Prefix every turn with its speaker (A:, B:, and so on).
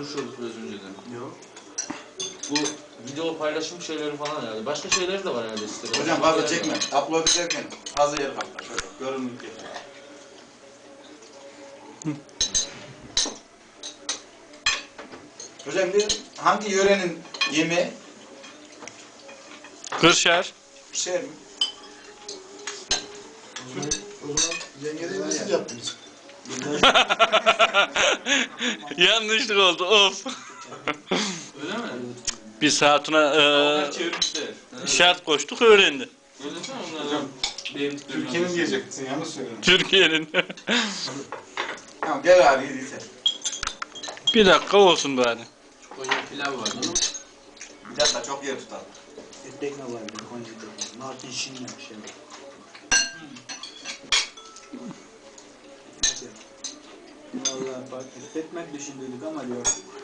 A: konuşuyorduk biraz önceden.
B: Yok.
A: Bu video paylaşım şeyleri falan herhalde. Başka şeyler de var herhalde sitede.
C: Hocam fazla çekme. Upload ederken fazla yer kaplar. Şöyle görünür diye. Hocam bir hangi yörenin yemeği?
D: Kırşehir.
C: Şey mi?
B: O zaman yengedeyi nasıl yaptınız?
D: Yanlışlık oldu. Of.
A: Öyle mi?
D: Biz hatuna
A: Onlar çevirmişler.
D: şart koştuk öğrendi.
A: Söylesene onlardan.
B: Türkiye'nin diyeceksin, yanlış söylüyorsun.
D: Türkiye'nin.
C: Tamam gel abi yediyse.
D: Bir dakika olsun bari.
A: Koca pilav var değil mi?
C: Bir dakika çok yer tutar.
E: Etmek ne var bir Konya'da? Narkin şinle bir şey. Vallahi bak etmek düşündüydük ama yok.